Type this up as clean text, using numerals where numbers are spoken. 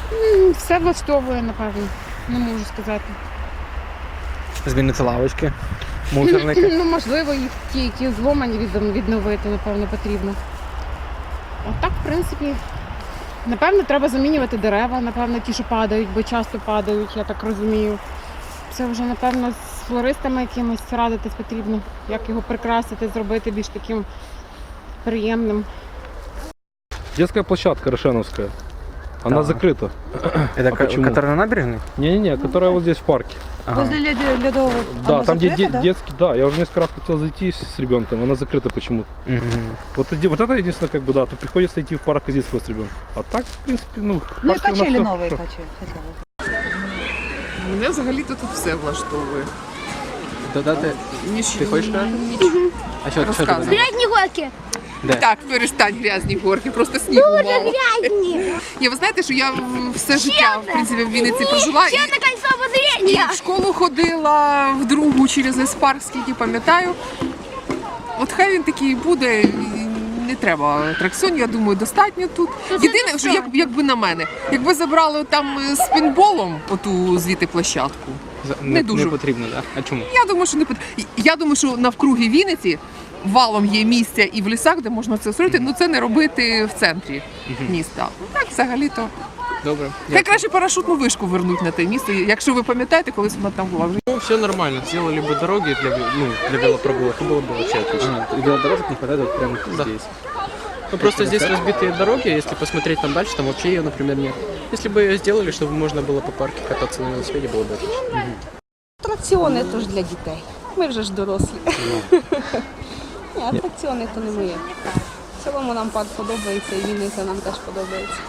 Все влаштовує, напевно. Не можу сказати. Змінити лавочки, мусорники. Ну, можливо, їх ті, які зломані, відновити, напевно, потрібно. А так, в принципі, напевно, треба замінювати дерева, напевно, ті, що падають, бо часто падають, я так розумію. Це вже, напевно, з флористами якимось радитись потрібно, як його прикрасити, зробити більш таким приємним. Детская площадка Рошеновская. Она Так. закрыта. Это почему? которая на набережной? Не-не-не, которая вот здесь в парке. Ага. Возле ледового. Да, Оно там где закрыто, да? детский, да, я уже несколько раз хотел зайти с ребенком, она закрыта почему-то. Мгм. Вот это единственное, как бы, да, то приходится идти в парк и здесь с ребенком. А так, в принципе, ну, в Ну и парке у нас качели всё новые хорошо. хотя бы. Мене взагалі-то тут все влаштовує. Додати. Ти хочеш сказати? А що Розказуй. ти? Грязні горки. Де? Так, перестань грязні горки, просто снігу мало. Грязні. Ви знаєте, що я все життя в принципі в Вінниці прожила і, Це кольцо і обозріння. в школу ходила в другу через Еспарк, скільки пам'ятаю. От хай він такий буде. І не треба атракціонів, я думаю, достатньо тут. Єдине, що якби на мене, якби забрали там з пейнтболом оту звідти площадку. Не дуже. Не потрібно, так? А чому? Я думаю, що не я думаю, що навкруги Вінниці валом є місця і в лісах, де можна це зробити, ну це не робити в центрі міста. Так, взагалі-то. Добре. Хай краще парашутну вишку вернуть на те місце. Якщо ви пам'ятаєте, колись вона там була вже. Ну, все нормально. Сделали бы дороги для велопрогулок, и было бы вообще отлично. И велодорожек не хватает вот прямо Да. здесь. Ну, просто здесь разбитые дороги, если посмотреть там дальше, там вообще ее, например, нет. Если бы ее сделали, чтобы можно было по парке кататься на велосипеде, было бы отлично. Атракціони то ж для дітей. Ми вже ж дорослі. Ні, атракціони то не моє. В цілому нам парк подобається і Вінниця нам теж подобається.